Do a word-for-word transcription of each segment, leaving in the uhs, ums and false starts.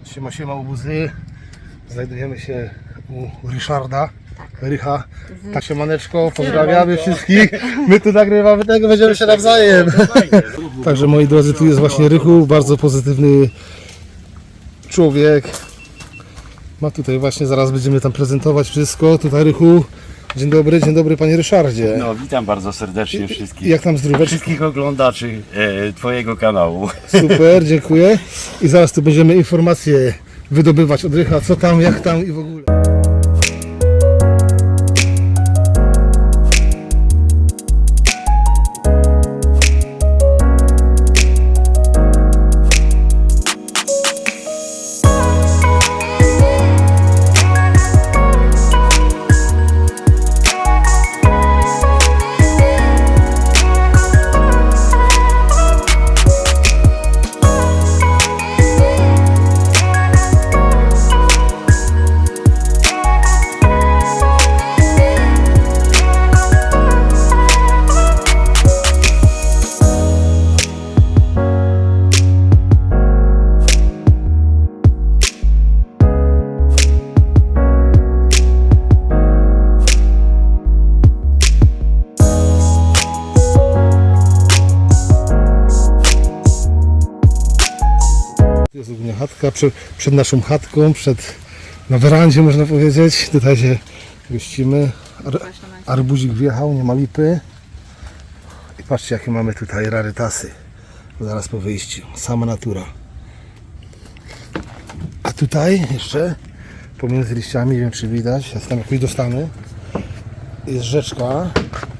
Siema, siema łobuzy. Znajdujemy się u Ryszarda. Rycha. Tak, siemaneczko, pozdrawiamy wszystkich. My tu nagrywamy tego, będziemy się nawzajem. Także moi drodzy, tu jest właśnie Rychu, bardzo pozytywny człowiek. Ma tutaj właśnie, zaraz będziemy tam prezentować wszystko. Tutaj Rychu. Dzień dobry, dzień dobry panie Ryszardzie. No, witam bardzo serdecznie wszystkich. Jak tam zdróweczko? Wszystkich oglądaczy e, Twojego kanału. Super, dziękuję. I zaraz tu będziemy informacje wydobywać od Rycha, co tam, jak tam i w ogóle. To jest ogólnie chatka, przed, przed naszą chatką, przed, na werandzie można powiedzieć. Tutaj się gościmy. Ar, arbuzik wjechał, nie ma lipy. I patrzcie jakie mamy tutaj rarytasy. Zaraz po wyjściu, sama natura. A tutaj jeszcze pomiędzy liściami, nie wiem czy widać, ja tam jakoś dostanę, jest rzeczka.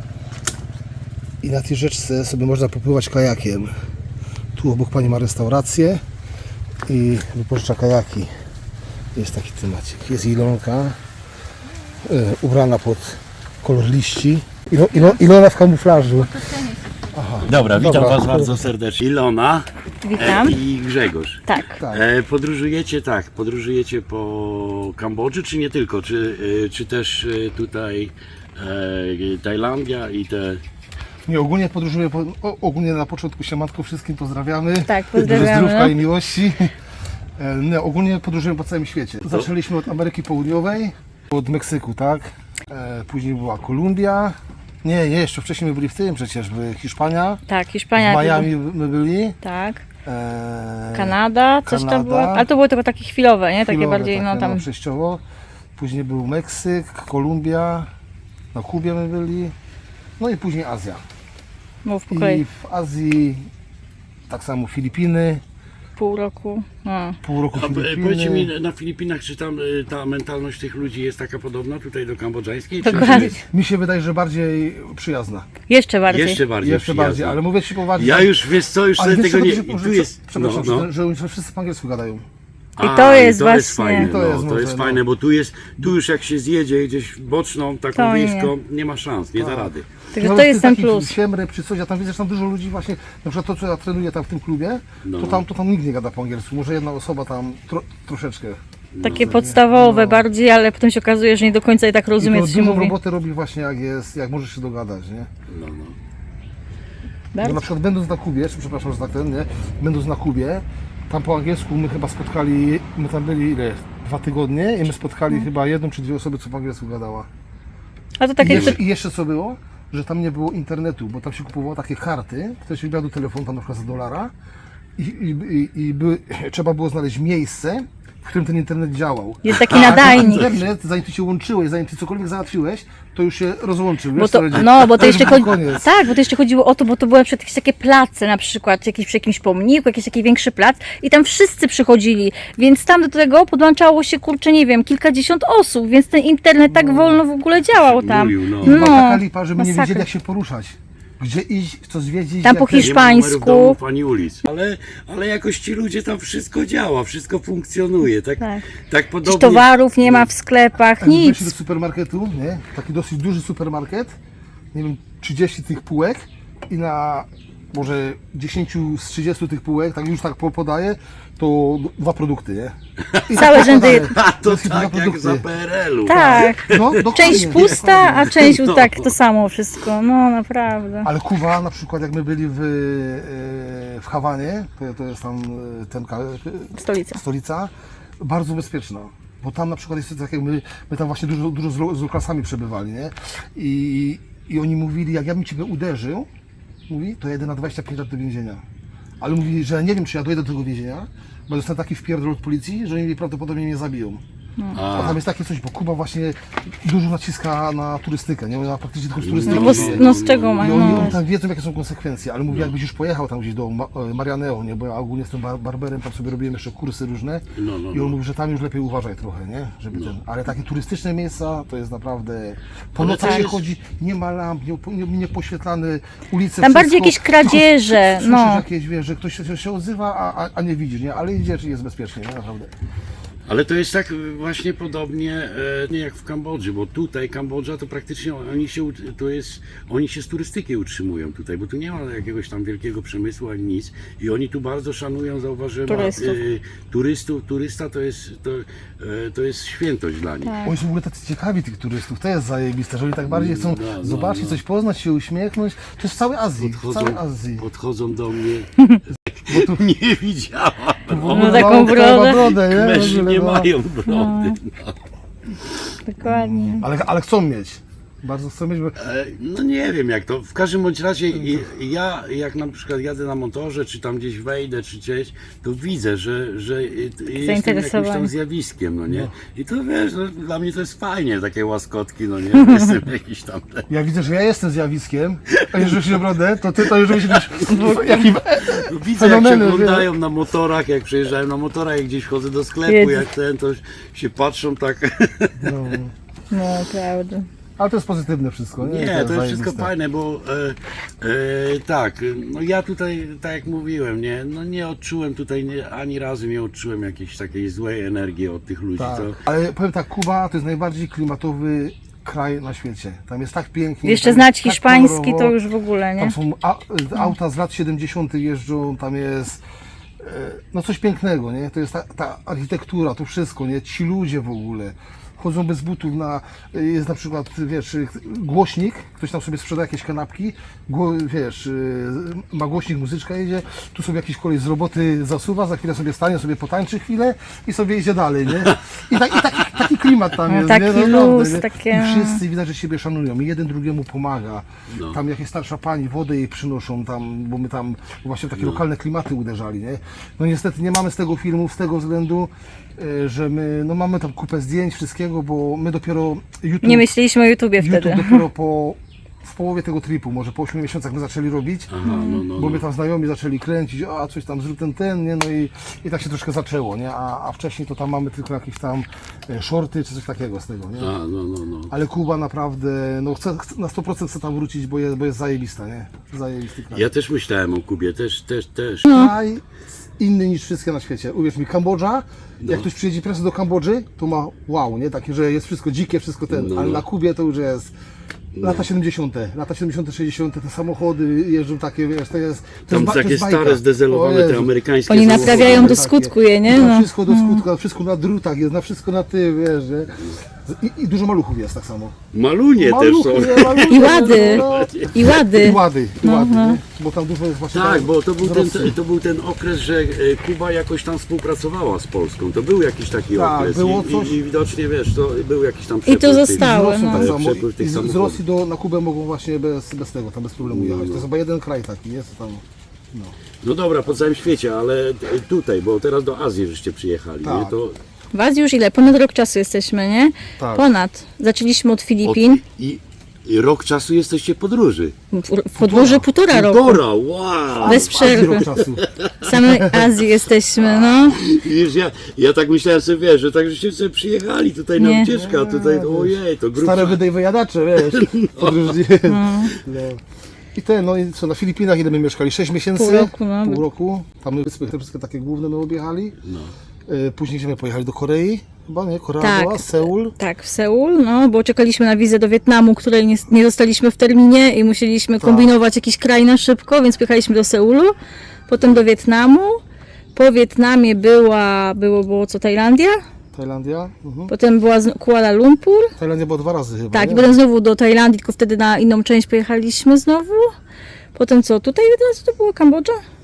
I na tej rzeczce sobie można popływać kajakiem. Tu obok pani ma restaurację i wypożycza kajaki. Jest taki temacik. Jest Ilonka y, ubrana pod kolor liści. Ilo, ilo, Ilona w kamuflażu. Aha. Dobra, witam Dobra. Was bardzo serdecznie. Ilona Witam. e, i Grzegorz. Tak. Tak. E, podróżujecie tak, podróżujecie po Kambodży, czy nie tylko? Czy, e, czy też e, tutaj e, Tajlandia i te... Nie, ogólnie podróżuję, po, o, ogólnie na początku siemanko wszystkim pozdrawiamy. Tak, Dużo pozdrawiamy. zdrówka i miłości. E, Nie, ogólnie podróżujemy po całym świecie. Zaczęliśmy od Ameryki Południowej, od Meksyku, tak? E, później była Kolumbia. Nie, nie, jeszcze wcześniej my byli w tym przecież, by Hiszpania. Tak, W Hiszpania. Miami my byli. Tak. E, Kanada, coś Kanada. tam było. Ale to było tylko takie chwilowe, nie? Takie chwilowe, bardziej, takie, no tam. przejściowo. Później był Meksyk, Kolumbia, na Kubie my byli. No i później Azja. Mów po I kolei. w Azji tak samo Filipiny, Pół roku. No. pół roku A, e, Filipiny. powiedzcie mi, na Filipinach, czy tam e, ta mentalność tych ludzi jest taka podobna tutaj do kambodżańskiej? Czy, Dokładnie. czy Mi się wydaje, że bardziej przyjazna. Jeszcze bardziej. jeszcze bardziej Jeszcze bardziej, przyjazna? ale mówię Ci poważnie. Ja już, wiesz co, już ale sobie wiesz, tego nie... że, i że, tu jest... przepraszam, no, no. Że, że wszyscy po angielsku gadają. I to A, jest to właśnie- jest fajne, To no, jest to może, jest no. fajne, bo tu jest, tu już jak się zjedzie gdzieś boczną, taką To nie. wiejską, nie ma szans, nie da rady. Także Nawet to jest ty ten taki plus. Siemrep czy coś, ja tam widzę, że tam dużo ludzi właśnie, na przykład to co ja trenuję tam w tym klubie, No. to, tam, to tam nikt nie gada po angielsku, może jedna osoba tam tro, troszeczkę. Takie podstawowe bardziej, ale potem się okazuje, że nie do końca i tak I rozumie, to co się dużo mówi. roboty robi właśnie jak jest, jak możesz się dogadać, nie? No, no. Bo Bardzo. na przykład będąc na Kubie, czy przepraszam, że tak ten, nie? Będąc na Kubie, tam po angielsku my chyba spotkali, my tam byli ile? Dwa tygodnie i my spotkali Mhm. chyba jedną czy dwie osoby, co po angielsku gadała. A to I takie. jeszcze, I jeszcze co było? Że tam nie było internetu, bo tam się kupowało takie karty, ktoś wybrał telefon tam na przykład za dolara i, i, i, i były, trzeba było znaleźć miejsce, w którym ten internet działał. Jest taki A nadajnik. internet, zanim ty się łączyłeś, zanim ty cokolwiek załatwiłeś, to już się rozłączył. Bo wiesz, to, co będzie? no, bo to już jeszcze był chodzi, koniec. tak, bo to jeszcze chodziło o to, bo to były przed jakieś takie place, na przykład jakiś, przy jakimś pomniku, jakiś taki większy plac i tam wszyscy przychodzili, więc tam do tego podłączało się, kurczę, nie wiem, kilkadziesiąt osób, więc ten internet tak wolno w ogóle działał tam. Mówił, no. Była taka lipa, że my nie masakra. wiedzieli jak się poruszać. Gdzie iść, co zwiedzić. Tam jak po ten- Hiszpanii. Nie ma numerów Hiszpańsku. domów ani ulic. Ale, ale jakoś ci ludzie tam wszystko działa, wszystko funkcjonuje. Tak, Tak. tak Przecież podobnie. towarów nie ma w sklepach, Jak weszli do nic. supermarketu, nie? Taki dosyć duży supermarket, nie wiem, trzydzieści tych półek i na może dziesięć z trzydziestu tych półek, tak już tak po- podaję, to dwa produkty, nie? I Całe tak rzędy- podaję. A to Jest dwa tak jak produkty. za P R L u. Tak. No, dokładnie, Część pusta, a część No. tak, to samo wszystko. No naprawdę. Ale Kuba, na przykład jak my byli w, e, w Hawanie, to, to jest tam e, ten, ka- Stolica. stolica, bardzo bezpieczna. Bo tam na przykład jest tak jak my, my tam właśnie dużo, dużo z, lo- z Lukasami przebywali, nie? I, I oni mówili, jak ja bym ciebie uderzył, mówi, to jedę na dwadzieścia pięć lat do więzienia. Ale mówi, że nie wiem, czy ja dojdę do tego więzienia, bo dostanę taki wpierdol od policji, że oni prawdopodobnie mnie zabiją. A tam jest takie coś, bo Kuba właśnie dużo naciska na turystykę, nie? Ona praktycznie tylko z turystyki No bo z, żyje. no z czego ma? I oni, No. oni tam wiedzą, jakie są konsekwencje, ale mówię, jakbyś już pojechał tam gdzieś do Ma- Marianeo, nie? Bo ja ogólnie jestem bar barberem, tam sobie robiłem jeszcze kursy różne No, no, i no. on mówi, że tam już lepiej uważaj trochę, nie? Żeby ten, ale takie turystyczne miejsca to jest naprawdę, po Ale nocach to się jest- chodzi, nie ma lamp, nie, nie, nie poświetlane ulice, Tam bardziej wszystko. jakieś kradzieże, Słyszysz no. jakieś, wiesz, że ktoś się, się odzywa, a, a, a nie widzisz, nie? Ale idziesz i jest bezpiecznie, nie? Naprawdę. Ale to jest tak właśnie podobnie e, nie jak w Kambodży, bo tutaj Kambodża to praktycznie oni się, ut- to jest, oni się z turystyki utrzymują tutaj, bo tu nie ma jakiegoś tam wielkiego przemysłu ani nic i oni tu bardzo szanują, zauważyłem, Turystów. e, turystów, turysta to jest, to, e, to jest świętość dla nich. Tak. Oni są w ogóle tacy ciekawi tych turystów, to jest zajebiste, że oni tak bardziej chcą No, no, zobaczyć, no. coś poznać, się uśmiechnąć. To jest w całej Azji, w całej Azji. podchodzą do mnie, bo tu nie widziałam. No taką Małą krajową brodę. brodę, nie? Mężczyźni W ogóle, nie no. mają brody. No. Dokładnie. Ale, ale chcą mieć. Bardzo chcą mieć, bo E, No nie wiem jak to, w każdym bądź razie i- ja jak na przykład jadę na motorze, czy tam gdzieś wejdę, czy gdzieś, to widzę, że, że jestem jakimś Zainteresowani. tam zjawiskiem, no nie? I to wiesz, no, dla mnie to jest fajnie, takie łaskotki, no nie? Jestem jakiś tam... ja widzę, że ja jestem zjawiskiem, a jeżeli się naprawdę, to ty to już byś jaki No, widzę jak się fenomeny, oglądają na motorach, jak przejeżdżają na motorach, jak gdzieś wchodzę do sklepu, Jedzie. jak ten, to się patrzą tak... no. No, prawda. Ale to jest pozytywne wszystko, nie? Nie, to jest wszystko zajebiste. fajne, bo e, e, tak, no ja tutaj, tak jak mówiłem, nie, no nie odczułem tutaj, nie, ani razu nie odczułem jakiejś takiej złej energii od tych ludzi, Tak. co... Ale powiem tak, Kuba to jest najbardziej klimatowy kraj na świecie. Tam jest tak pięknie. Jeszcze tam znać jest tak hiszpański kolorowo. to już w ogóle, nie? Tam są a, auta z lat siedemdziesiątych jeżdżą, tam jest e, no coś pięknego, nie? To jest ta, ta architektura, to wszystko, nie? Ci ludzie w ogóle chodzą bez butów na, jest na przykład, wiesz, głośnik, ktoś tam sobie sprzeda jakieś kanapki, gło, wiesz, e, ma głośnik, muzyczka jedzie, tu sobie jakiś koleś z roboty zasuwa, za chwilę sobie stanie, sobie potańczy chwilę i sobie idzie dalej, nie? I, tak, i taki, taki klimat tam No, jest, taki nie? Naprawdę, luz, nie? takie- I wszyscy widać, że siebie szanują i jeden drugiemu pomaga. No. Tam jakieś starsza pani wodę jej przynoszą tam, bo my tam właśnie w takie lokalne klimaty uderzali, nie? No niestety nie mamy z tego filmu z tego względu, e, że my, no mamy tam kupę zdjęć, wszystkiego, bo my dopiero YouTube, Nie myśleliśmy o YouTubie YouTube wtedy. dopiero po, w połowie tego tripu, może po ośmiu miesiącach my zaczęli robić, Aha, no, no, bo no. my tam znajomi zaczęli kręcić, a coś tam zrób ten, ten, nie? No i, i tak się troszkę zaczęło, nie? A, a wcześniej to tam mamy tylko jakieś tam e, shorty czy coś takiego z tego, nie? A, no, no, no. Ale Kuba naprawdę, no chce, chce, na sto procent chce tam wrócić, bo jest, bo jest zajebista, nie? Zajebisty kraj. Ja też myślałem o Kubie, też, też, też. Kraj inny niż wszystkie na świecie. Uwierz mi, Kambodża, No. jak ktoś przyjedzie pierwszy do Kambodży, to ma wow, nie? Takie, że jest wszystko dzikie, wszystko ten, No. ale na Kubie to już jest lata siedemdziesiąte, lata siedemdziesiąte, sześćdziesiąte, te samochody jeżdżą takie, wiesz, to jest... To Tam jest, ba- to takie jest bajka. stare, zdezelowane, O te Jezu. amerykańskie Oni samochody. naprawiają do Takie. skutku je, nie? Na No. wszystko do skutku, na wszystko na drutach jest, na wszystko na ty, wiesz, nie? I, i dużo maluchów jest tak samo. Malunie też Maluchy, są. nie, maluchy, I łady. no, no. I I łady. łady, i łady, nie? Bo tam dużo jest właśnie... Tak, tam bo to był, ten, wzrosty. to był ten okres, że e, Kuba jakoś tam współpracowała z Polską. To był jakiś taki Tak, okres było i, coś. i, i widocznie, wiesz, to był jakiś tam I przepływ to tych- zostało, Z Rosją no. tak samo. Przepływ tych I z, z samochodów. Rosji do, na Kubę mogą właśnie bez, bez tego, tam bez problemu jechać. To jest chyba jeden kraj taki, jest tam. No. No dobra, po całym świecie, ale t- tutaj, bo teraz do Azji żeście przyjechali, Tak. nie? To W Azji już ile? Ponad rok czasu jesteśmy, nie? Tak. Ponad. Zaczęliśmy od od, Filipin. i, I rok czasu jesteście w podróży. W w podróży półtora roku. Półtora, wow! Bez przerwy. Rok czasu. W samej Azji jesteśmy, no. Wiesz, ja, ja tak myślałem sobie, wiesz, że tak żeście sobie przyjechali tutaj Nie. na ucieczkę, a tutaj, ojej, to grubsza. Stare wydej wyjadacze, wiesz. Podróżni. No. I te, no i co, na Filipinach ile my mieszkali? sześć miesięcy? Pół roku, no. Pół roku. Tam my wyspy, te wszystkie takie główne my objechali. No. E, Później gdzie my pojechali? Do Korei? Chyba nie? Korea Tak. była? Seul? Tak, w Seul, no, bo czekaliśmy na wizę do Wietnamu, której nie, nie dostaliśmy w terminie i musieliśmy kombinować jakiś kraj na szybko, więc pojechaliśmy do Seulu, potem do Wietnamu. Po Wietnamie była, było, było co, Tajlandia? Tajlandia? Mhm. Potem była z- Kuala Lumpur. Tajlandia była dwa razy chyba, Tak, i nie? potem znowu do Tajlandii, tylko wtedy na inną część pojechaliśmy znowu. Potem co, tutaj od razu to była Kambodża?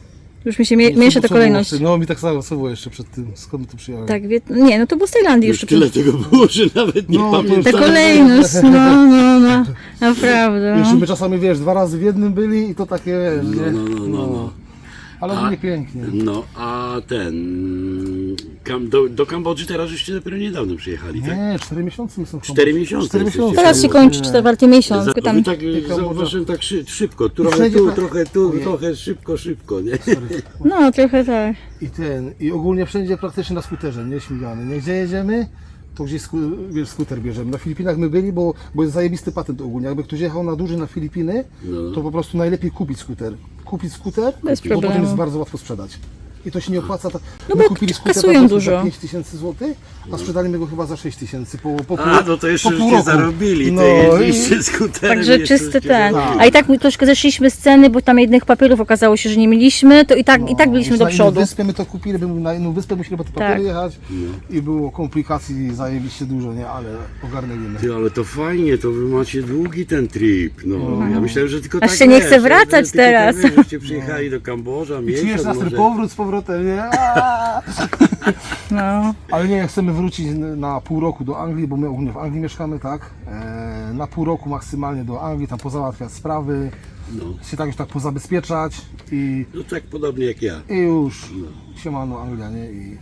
Już mi się mie- Co- miesza ta co było kolejność. jeszcze? No mi tak samo, co było jeszcze przed tym, skąd my tu przyjechałem? Tak, wie... nie, no to było z Tajlandii Już jeszcze. tyle tego było, że nawet nie No, to już pamiętam. Ta kolejność, no, no, no, naprawdę. Jeszcze No. my czasami, wiesz, dwa razy w jednym byli i to takie, wiesz, nie? No, no, no, no, no. Ale ogólnie pięknie. No, a ten... Kam, do, do Kambodży teraz żeście dopiero niedawno przyjechali, tak? Nie, cztery miesiące my są w Cztery Kambodży. miesiące Cztery jesteście. miesiące. Teraz się kończy czwarty miesiąc. Za, Tam... wy tak Kambodża. zauważyłem tak szy, szybko, trochę wszędzie tu, tak- trochę tu, Ojej. trochę szybko, szybko, nie? No, trochę tak. I ten, i ogólnie wszędzie praktycznie na skuterze, nie śmigany. Nie gdzie jedziemy, to gdzieś sku, wiesz, skuter bierzemy. Na Filipinach my byli, bo, bo jest zajebisty patent ogólnie. Jakby ktoś jechał na duży na Filipiny, No. to po prostu najlepiej kupić skuter. Kupić skuter, Bez bo potem problemu. jest bardzo łatwo sprzedać. I to się nie opłaca. Ta, No my bo kupili skuter kasują po prostu dużo. za pięć tysięcy złotych, a sprzedaliśmy go chyba za sześć tysięcy po, po, pół- A, no to jeszcze po pół żeście roku. zarobili, No to i- jeździcie skuterem. Także jeszcze czysty żeście ten. zarobili. A i tak my troszkę zeszliśmy z ceny, bo tam jednych papierów okazało się, że nie mieliśmy, to i tak, i tak byliśmy Już do na przodu. inną wyspę my to kupili, by na inną wyspę musieli po te papiery Tak. jechać i było komplikacji zajebiście dużo, nie? Ale ogarnęliśmy. Ty, ale to fajnie, to wy macie długi ten trip. No, ja myślałem, że tylko Aż tak się nie wiesz, chce wracać że tylko teraz. Tak, wiesz, żeście przyjechali do Kambodża, I czujesz miesiąc nas ten może. powrót z powrotem, nie? Aaaa! No. Ale nie, chcemy wrócić na pół roku do Anglii, bo my ogólnie w Anglii mieszkamy, tak? E, na pół roku maksymalnie do Anglii, tam pozałatwiać sprawy, No. się tak już tak pozabezpieczać i, no tak podobnie jak ja. i już siemano Anglia, nie? I,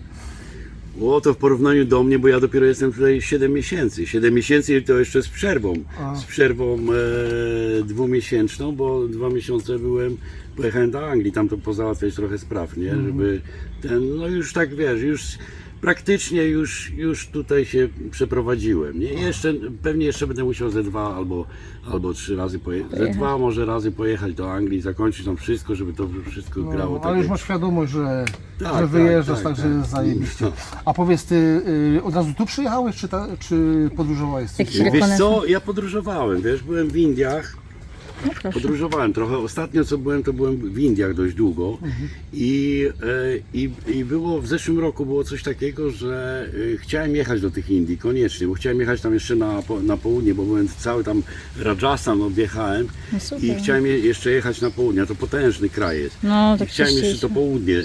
O, to w porównaniu do mnie, bo ja dopiero jestem tutaj siedem miesięcy. siedem miesięcy i to jeszcze z przerwą. A. Z przerwą e, dwumiesięczną, bo dwa miesiące byłem, pojechałem do Anglii, tam to pozałatwiać trochę spraw, nie? Żeby ten, no już tak wiesz, już praktycznie już, już tutaj się przeprowadziłem, nie? Jeszcze, pewnie jeszcze będę musiał ze dwa albo, albo trzy razy pojechać, ze dwa może razy pojechać do Anglii, zakończyć tam wszystko, żeby to wszystko grało no, tak ale już jak- masz świadomość, że, Tak, że tak, wyjeżdżasz, tak, także tak. jest zajebiście. No. A powiedz, ty y, od razu tu przyjechałeś, czy, ta, czy podróżowałeś? Jakiś Wiesz rekonesans. co, ja podróżowałem, wiesz, byłem w Indiach, No proszę. podróżowałem trochę. Ostatnio co byłem, to byłem w Indiach dość długo i, e, i, i było w zeszłym roku było coś takiego, że e, chciałem jechać do tych Indii koniecznie, bo chciałem jechać tam jeszcze na, po- na południe, bo byłem cały tam Rajasthan objechałem No super. i chciałem je, jeszcze jechać na południe, a to potężny kraj jest. No, I tak chciałem jeszcze to chcieliśmy. południe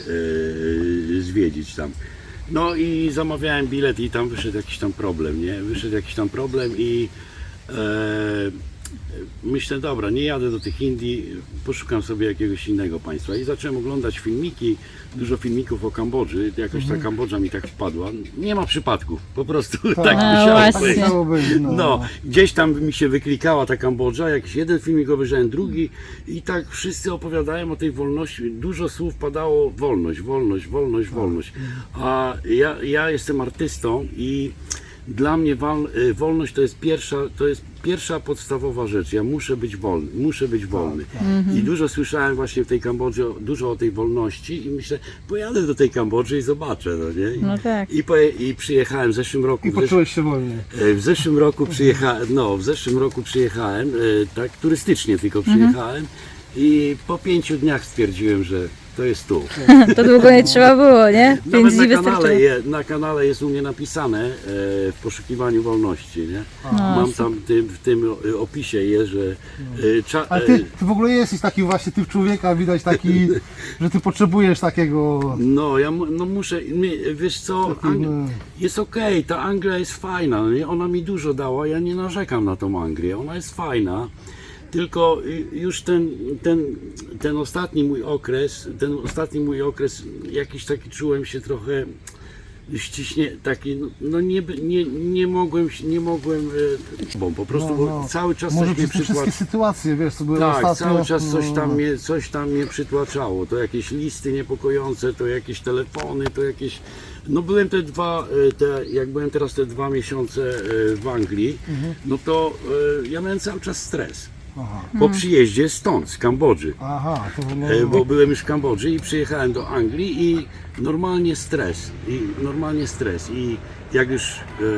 e, zwiedzić tam. No i zamawiałem bilet i tam wyszedł jakiś tam problem, nie? Wyszedł jakiś tam problem i e, myślę, dobra, nie jadę do tych Indii, poszukam sobie jakiegoś innego państwa i zacząłem oglądać filmiki, dużo filmików o Kambodży, jakoś ta Kambodża mi tak wpadła. Nie ma przypadków, po prostu tak No musiało właśnie. być. Musiało być, no. No, gdzieś tam mi się wyklikała ta Kambodża, jakiś jeden filmik obejrzałem, drugi i tak wszyscy opowiadają o tej wolności. Dużo słów padało wolność, wolność, wolność, wolność. A ja, ja jestem artystą i dla mnie wal, y, wolność to jest pierwsza, to jest pierwsza podstawowa rzecz. Ja muszę być wolny, muszę być wolny. I dużo słyszałem właśnie w tej Kambodży, o- dużo o tej wolności i myślę, pojadę do tej Kambodży i zobaczę, no nie? I, No tak. i, poje, i przyjechałem w zeszłym roku. I w zesz- poczułeś się wolny. E, W zeszłym roku przyjechałem, no w zeszłym roku przyjechałem, e, tak turystycznie tylko przyjechałem i po pięciu dniach stwierdziłem, że to jest tu. To długo nie trzeba było, nie? Pięć Nawet dni na kanale, wystarczyło. je, na kanale jest u mnie napisane e, w poszukiwaniu wolności, nie? Mam tam tym, w tym e, opisie jest, że e, cza, Ale e, ty, ty w ogóle jesteś taki właśnie typ człowieka, widać taki, że ty potrzebujesz takiego... no ja mu- no muszę, mi- wiesz co, Ang- jest okej, ta Anglia jest fajna, no nie? Ona mi dużo dała, ja nie narzekam na tą Anglię, ona jest fajna. Tylko y, już ten, ten, ten ostatni mój okres, ten ostatni mój okres, jakiś taki czułem się trochę ściśnie, taki, no- no nie, by- nie, nie mogłem, się- nie mogłem, e, bo po prostu bo cały czas Może coś mnie przez te przytłaczało. wszystkie sytuacje, wiesz, co były Tak, ostatnio... cały czas coś no, tam, mnie, coś tam mnie przytłaczało. To jakieś listy niepokojące, to jakieś telefony, to jakieś... No byłem te dwa, e, te, jak byłem teraz te dwa miesiące e, w Anglii, no to e, ja miałem cały czas stres. Aha, Po przyjeździe stąd, z Kambodży. aha, to no, E, Bo byłem już w Kambodży i przyjechałem do Anglii i normalnie stres. I normalnie stres. I jak już e,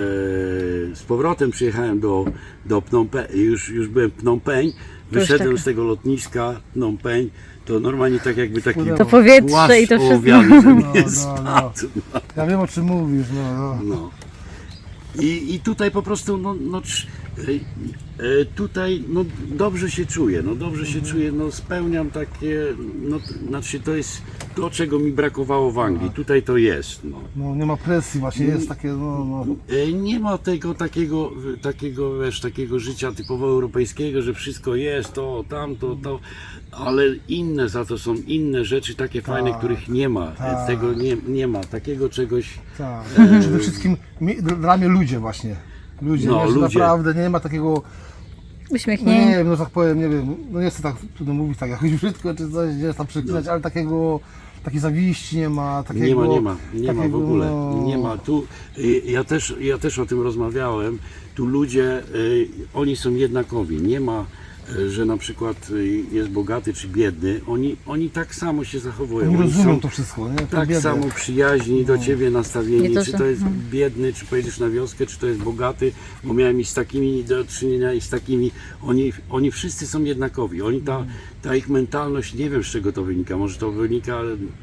z powrotem przyjechałem do, do Phnom Penh, już, już byłem w Phnom Penh, wyszedłem taka- z tego lotniska Phnom Penh, to normalnie tak jakby taki To powietrze i to płaszcz wszystko. ołowiany ze mnie No, no, no. spadł. ja wiem, o czym mówisz, no, no. No. I, I tutaj po prostu, no, no, trz- E, e, Tutaj no, dobrze się czuję, no dobrze się czuję, no spełniam takie, no t- znaczy to jest to, czego mi brakowało w Anglii, tutaj to jest. No. No nie ma presji właśnie, jest takie, no, no. E, Nie ma tego takiego, takiego, wiesz, takiego życia typowo europejskiego, że wszystko jest, to, tamto, to, ale inne za to są inne rzeczy, takie fajne, których nie ma, E, tak. tego nie, nie ma, takiego czegoś. Tak. Przede wszystkim mi- dla mnie ludzie właśnie. Ludzie, No, nie, że ludzie. naprawdę nie ma takiego, no nie Uśmiechnięci. wiem, no tak powiem, nie wiem, no nie chcę tak trudno mówić tak jakoś brzydko czy coś, nie tam przeklinać, ale takiego, takiej zawiści nie ma, takiego... Nie ma, nie ma, nie ma w takiego, ogóle, no, nie ma. Tu, y, ja, też, ja też o tym rozmawiałem, tu ludzie, y, oni są jednakowi, nie ma, y, że na przykład y, jest bogaty czy biedny, oni, oni tak samo się zachowują. Oni rozumieją są to wszystko, nie? To tak biedne. samo przyjaźni do ciebie nastawieni, Nie to, czy że- to jest biedny, czy pojedziesz na wioskę, czy to jest bogaty, bo miałem i z takimi do czynienia i z takimi, oni, oni wszyscy są jednakowi, oni ta, ta ich mentalność, nie wiem z czego to wynika, może to wynika,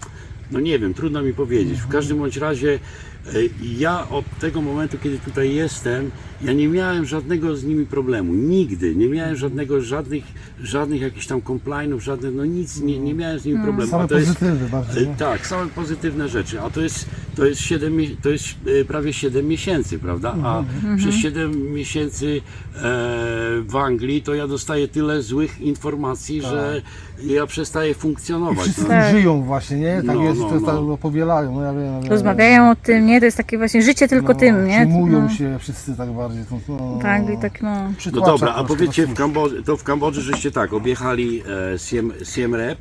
no nie wiem, trudno mi powiedzieć, w każdym bądź razie e, ja od tego momentu, kiedy tutaj jestem, ja nie miałem żadnego z nimi problemu, nigdy, nie miałem żadnego, żadnych, żadnych jakichś tam complainów, żadnych, no nic, nie, nie miałem z nimi problemu. Same A to jest- pozytywy bardziej, e, nie? tak, same pozytywne rzeczy, a to jest, to jest, siedem, mie- to jest e, prawie siedem miesięcy, prawda? A przez siedem miesięcy e, w Anglii to ja dostaję tyle złych informacji, że ja przestaję I funkcjonować. wszyscy No. Tak. żyją właśnie, nie? Tak No, jest, no, to jest no. tak, no, powielają, no ja wiem. ja wiem. Rozmawiają o tym, nie? To jest takie właśnie życie tylko No, tym, nie? Przyjmują No, się wszyscy tak bardziej. To, no, tak, i tak no. No przytłacza dobra, a troszkę, powiedzcie, no w cóż. Kambodży, to w Kambodży żeście tak, objechali e, Siem, Siem Reap,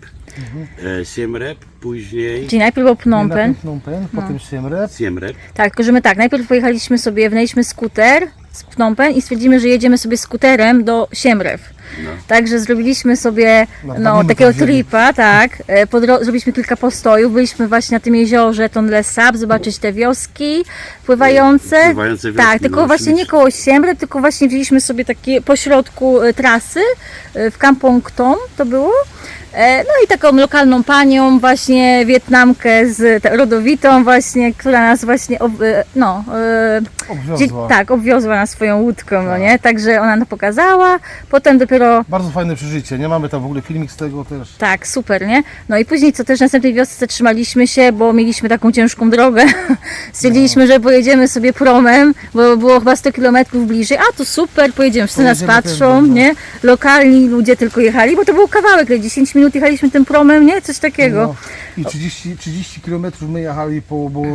e, Siem Reap, później Czyli najpierw był Phnom Penh. Najpierw Phnom Penh, potem Siem Reap. Siem Reap, Tak, tylko że my tak, najpierw pojechaliśmy sobie, wynajęliśmy skuter z Phnom Penh i stwierdzimy, że jedziemy sobie skuterem do Siem Reap. no. Także zrobiliśmy sobie Na no, Pamino takiego tam wzięli. tripa, tak. E, Po dro- zrobiliśmy kilka postojów, byliśmy właśnie na tym jeziorze Tonle Sap, zobaczyć te wioski pływające. Pływające wioski, tak, tylko no, właśnie nie ślicznie. koło Siem Reap, tylko właśnie wzięliśmy sobie takie pośrodku e, trasy e, w Kampong Tom to było. E, No i taką lokalną panią, właśnie Wietnamkę z ta- rodowitą właśnie, która nas właśnie, ob- e, no, e, gdzie, Obwiozła. tak, obwiozła nas swoją łódką, no nie? Także ona nam pokazała, potem dopiero, Bardzo fajne przeżycie, nie? Mamy tam w ogóle filmik z tego też. tak, super, nie? No i później co też w następnej wiosce zatrzymaliśmy się, bo mieliśmy taką ciężką drogę. Stwierdziliśmy, że pojedziemy sobie promem, bo było chyba sto kilometrów bliżej. A to super, pojedziemy, wszyscy nas Pojedziemy patrzą, też, no. nie? Lokalni ludzie tylko jechali, bo to był kawałek, ile dziesięć minut jechaliśmy tym promem, nie? Coś takiego. No, I trzydzieści, trzydzieści kilometrów my jechali, po, bo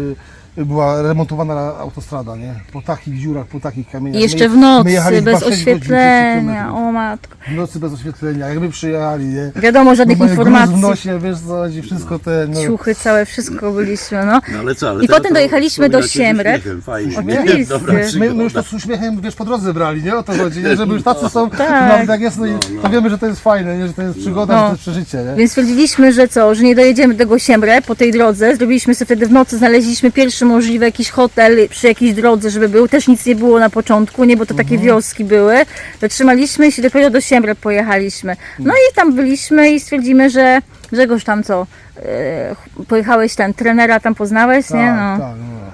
y, była remontowana autostrada, nie? Po takich dziurach, po takich kamieniach. I jeszcze My- w nocy, my jechaliśmy bez chyba sześć godzin, oświetlenia, trzydzieści kilometrów. o matko. W nocy bez oświetlenia, jakby przyjechali, nie? Wiadomo, żadnych No, mamy gruz informacji. w nosie, wiesz co chodzi, wszystko te... No, Ciuchy całe, wszystko byliśmy, no. No ale co, ale I teraz potem to dojechaliśmy do wspominacie z Siem Reap. uśmiechem, Fajnie, Oczywiście. nie? Dobra My- my, my już to przygoda. z uśmiechem, wiesz, po drodze brali, nie? O to chodzi, nie? Żeby już tacy są, Tak. to nawet jak jest, no, i No, no. to wiemy, że to jest fajne, nie? Że to jest przygoda, No. że to jest przeżycie, nie? Więc stwierdziliśmy, że co, że nie dojedziemy do tego Siem Reap po tej drodze. Zrobiliśmy sobie wtedy w nocy, znaleźliśmy pierwszy możliwy jakiś hotel przy jakiejś drodze, żeby był. Też nic nie było na początku, nie, bo to takie wioski były. Zatrzymaliśmy się, dopiero do Siem Reap pojechaliśmy. No i tam byliśmy i stwierdzimy, że Grzegorz tam co, e, pojechałeś ten trenera tam poznałeś, nie? No. tak, no.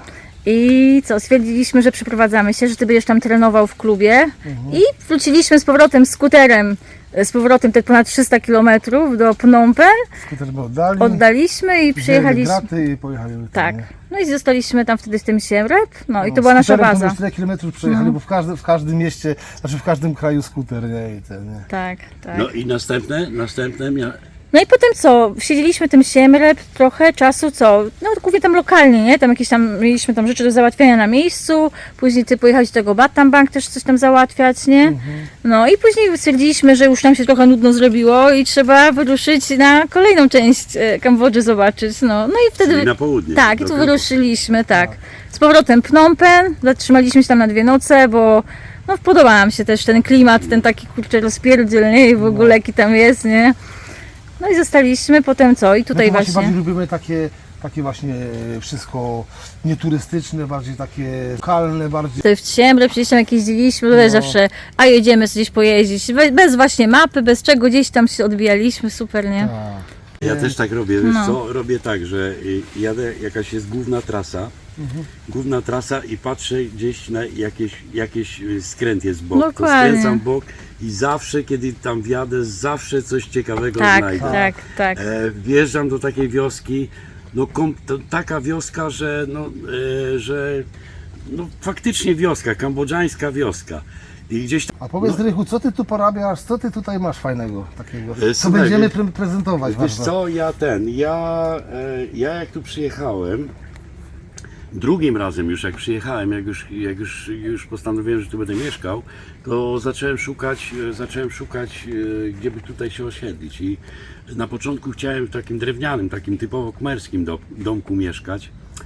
I co, stwierdziliśmy, że przeprowadzamy się, że ty będziesz tam trenował w klubie i wróciliśmy z powrotem skuterem, z powrotem te ponad trzysta kilometrów do Phnom Penh, Skuter my oddali, oddaliśmy i przyjechaliśmy. graty i pojechali. tam, Tak, nie? no i zostaliśmy tam wtedy w tym Siem Reap, no i to No, była nasza skuterem to baza. już tyle kilometrów przejechali, bo w każdym, w każdym mieście, znaczy w każdym kraju skuter, nie? I ten, nie? Tak, tak. No i następne, następne mia... No i potem co, siedzieliśmy w tym Siem Reap trochę czasu, co, no głównie tam lokalnie, nie, tam jakieś tam, mieliśmy tam rzeczy do załatwiania na miejscu, później ty pojechałeś do tego Batam Bank też coś tam załatwiać, nie, no i później stwierdziliśmy, że już nam się trochę nudno zrobiło i trzeba wyruszyć na kolejną część e, Kambodży zobaczyć, no, no i wtedy, Czyli na południe. tak, i do tu Kampu. wyruszyliśmy, tak, z powrotem Phnom Penh, zatrzymaliśmy się tam na dwie noce, bo no podoba nam się też ten klimat, ten taki kurczę rozpierdziel, nie, i w ogóle jaki tam jest, nie. No i zostaliśmy, potem co? I tutaj My to właśnie właśnie. bardziej lubimy takie, takie właśnie wszystko nieturystyczne, bardziej takie lokalne, bardziej. Tutaj w Siem Reap gdzieś tam jak jeździliśmy, to też No. zawsze, a jedziemy gdzieś pojeździć, Be- bez właśnie mapy, bez czego gdzieś tam się odbijaliśmy, super, nie? Tak. Ja też tak robię, wiesz No. co? Robię tak, że y, jadę, jakaś jest główna trasa, główna trasa i patrzę gdzieś na jakieś, jakieś y, skręt jest w bok, to Dokładnie. skręcam w bok i zawsze, kiedy tam wjadę, zawsze coś ciekawego Tak, znajdę. tak, tak. E, wjeżdżam do takiej wioski, no kom, to taka wioska, że no, e, że no faktycznie wioska, kambodżańska wioska. I gdzieś tam, A powiedz Rychu, co ty tu porabiasz, co ty tutaj masz fajnego takiego? E, Co słuchaj, będziemy wiesz- pre prezentować? wiesz bardzo? co, ja ten, ja, e, ja jak tu przyjechałem, drugim razem już jak przyjechałem, jak już, jak już, już postanowiłem, że tu będę mieszkał, to zacząłem szukać, e, zacząłem szukać, e, gdzie by tutaj się osiedlić. I na początku chciałem w takim drewnianym, takim typowo kmerskim do, domku mieszkać.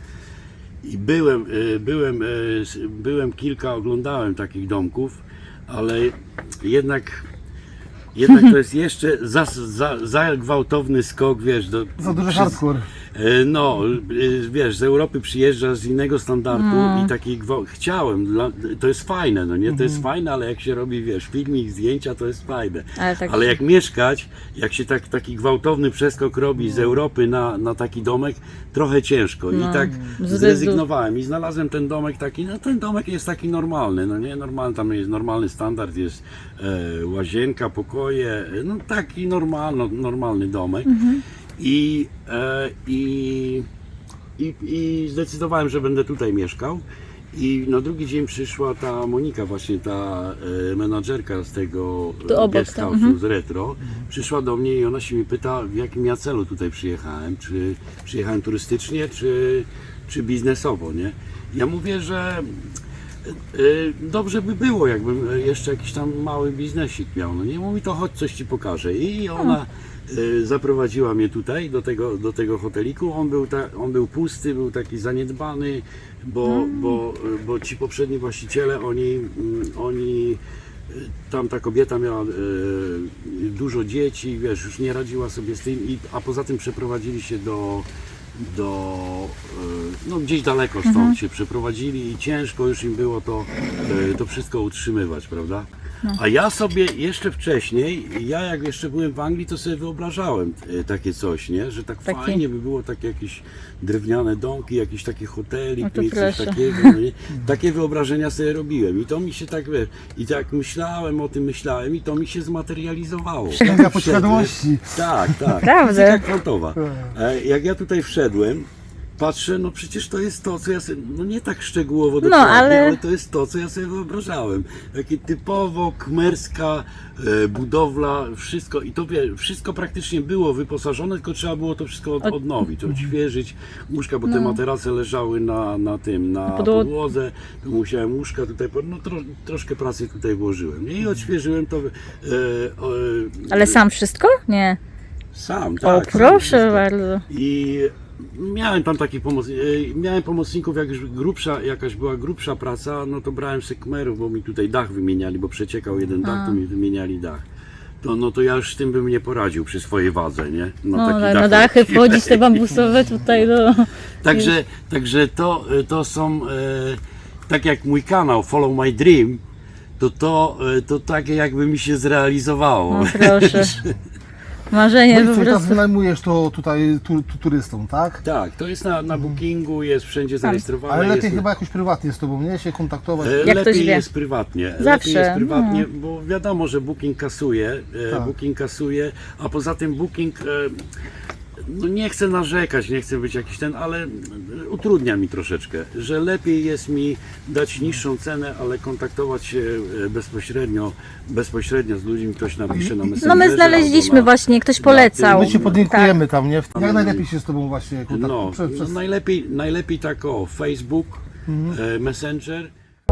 I byłem, e, byłem, e, s- byłem kilka, oglądałem takich domków, ale jednak, jednak to jest jeszcze za, za, za gwałtowny skok, wiesz, do, Za duży przez- hardcore. E, No, e, wiesz, z Europy przyjeżdża z innego standardu i taki gwałt. Chciałem, dla, to jest fajne, no nie? To jest fajne, ale jak się robi, wiesz, filmik, zdjęcia, to jest fajne. Ale tak- Ale jak mieszkać, jak się tak, taki gwałtowny przeskok robi z Europy na, na taki domek, trochę ciężko. I tak Zdecydowanie. zrezygnowałem i znalazłem ten domek taki, no ten domek jest taki normalny, no nie? Normalny, tam jest normalny standard, jest e, łazienka, pokoje, e, no taki normalno, normalny domek. I, e, i, i, I zdecydowałem, że będę tutaj mieszkał. I na drugi dzień przyszła ta Monika, właśnie ta e, menadżerka z tego Tu e, obok guest tam, house'u, mhm. z Retro. Przyszła do mnie i ona się mi pyta, w jakim ja celu tutaj przyjechałem. Czy przyjechałem turystycznie, czy, czy biznesowo, nie? Ja mówię, że e, dobrze by było, jakbym jeszcze jakiś tam mały biznesik miał. No nie, mówi, to chodź, coś ci pokażę. I ona e, zaprowadziła mnie tutaj do tego, do tego hoteliku. On był, ta, on był pusty, był taki zaniedbany, bo, bo, bo ci poprzedni właściciele, oni, mm, oni e, tam ta kobieta miała e, dużo dzieci, wiesz, już nie radziła sobie z tym, i, a poza tym przeprowadzili się do, do e, no gdzieś daleko stąd się przeprowadzili i ciężko już im było to, e, to wszystko utrzymywać, prawda? A ja sobie jeszcze wcześniej, ja jak jeszcze byłem w Anglii, to sobie wyobrażałem e, takie coś, nie? Że tak Taki- fajnie by było takie jakieś drewniane domki, jakiś taki hotelik, No to mieć coś proszę. takiego. No nie? Takie wyobrażenia sobie robiłem i to mi się tak, wiesz, i tak myślałem o tym, myślałem i to mi się zmaterializowało. Sięga podświadomości. Tak, tak. Naprawdę? Fizyka kwantowa. E, Jak ja tutaj wszedłem, patrzę, no przecież to jest to, co ja sobie, no nie tak szczegółowo dokładnie, ale- ale... to jest to, co ja sobie wyobrażałem. Takie typowo kmerska e, budowla, wszystko i to wie, wszystko praktycznie było wyposażone, tylko trzeba było to wszystko od, odnowić, odświeżyć łóżka, bo te materace leżały na, na tym, na podło- podłodze, to musiałem łóżka tutaj, po- no tro, troszkę pracy tutaj włożyłem i odświeżyłem to e, e, Ale sam wszystko? Nie. sam, O, tak. sam proszę wszystko. bardzo. I miałem tam taki pomoc, e, miałem pomocników, jak już grubsza, jakaś była grubsza praca, no to brałem sekmerów, bo mi tutaj dach wymieniali, bo przeciekał jeden dach, to mi wymieniali dach. To, no to ja już z tym bym nie poradził przy swojej wadze, nie? No, taki na, dach. na dachy wchodzić te bambusowe tutaj do... Także, także to, to są, e, tak jak mój kanał Follow My Dream, to to, e, to takie jakby mi się zrealizowało. No proszę. Marzenie No i po co, i teraz prostu. wynajmujesz to tutaj tu, tu, turystom, tak? Tak, to jest na, na bookingu, jest wszędzie zarejestrowane. Ale lepiej jest, chyba jakoś prywatnie z tobą, nie? Się kontaktować. E, Jak ktoś lepiej wie. jest prywatnie. Zawsze, Lepiej jest prywatnie, bo wiadomo, że Booking kasuje, e, Tak. Booking kasuje, a poza tym Booking, e, no nie chcę narzekać, nie chcę być jakiś ten, ale e, utrudnia mi troszeczkę, że lepiej jest mi dać niższą cenę, ale kontaktować się e, bezpośrednio, bezpośrednio z ludźmi, ktoś napisze na Messengerze. No my znaleźliśmy albo na- właśnie, ktoś na polecał. My cię podlinkujemy Tak. tam, nie? Jak najlepiej się z tobą właśnie kontaktować? No, Przez, no przez... najlepiej, najlepiej tak o Facebook, e, Messenger.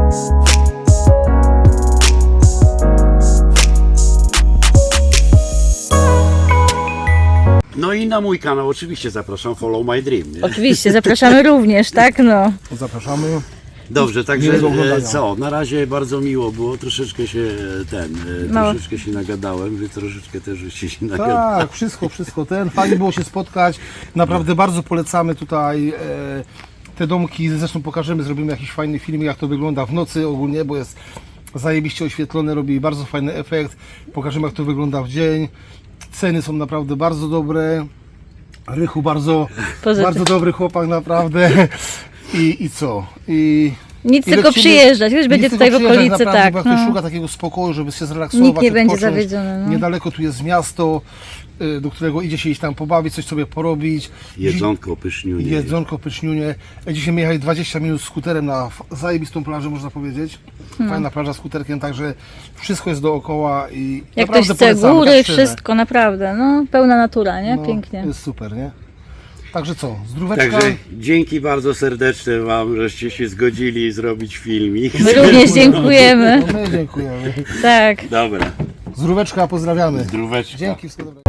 No i na mój kanał oczywiście zapraszam, Follow My Dream. Nie? Oczywiście, zapraszamy również, tak no. Zapraszamy. Dobrze, także Miłego e, oglądania. co, na razie bardzo miło było, troszeczkę się e, ten, e, Mało. troszeczkę się nagadałem, wy troszeczkę też żeście się nagadali. Tak, wszystko, wszystko. Ten fajnie było się spotkać. Naprawdę bardzo polecamy tutaj e, te domki. Zresztą pokażemy, zrobimy jakiś fajny film, jak to wygląda w nocy ogólnie, bo jest zajebiście oświetlone, robi bardzo fajny efekt. Pokażemy, jak to wygląda w dzień. Ceny są naprawdę bardzo dobre. Rychu bardzo, Pozytyw. bardzo dobry chłopak naprawdę. I, i co? I Nic I tylko lecimy- przyjeżdżać, już nic będzie tylko tutaj w przyjeżdżać okolicy, naprawdę, tak. Bo jak ktoś No. szuka takiego spokoju, żeby się zrelaksować, Nikt nie będzie odpocząć. zawiedziony, no. Niedaleko tu jest miasto, y, do którego idzie się iść tam pobawić, coś sobie porobić. Jedzonko, pyszniunie. Jedzonko, pyszniunie. Dzisiaj my jechali dwadzieścia minut skuterem na f- zajebistą plażę, można powiedzieć. Hmm. Fajna plaża skuterkiem, także wszystko jest dookoła i Jak naprawdę ktoś chce polecamy, góry, tak szczerze. wszystko, naprawdę, no. Pełna natura, nie? No, Pięknie. Jest super, nie? Także co, zdróweczka. Także dzięki bardzo serdeczne Wam, żeście się zgodzili zrobić filmik. My również dziękujemy. No, my dziękujemy. Tak. Dobra, Zdróweczka, pozdrawiamy. zdróweczka. Dzięki, wszystkiego dobrego.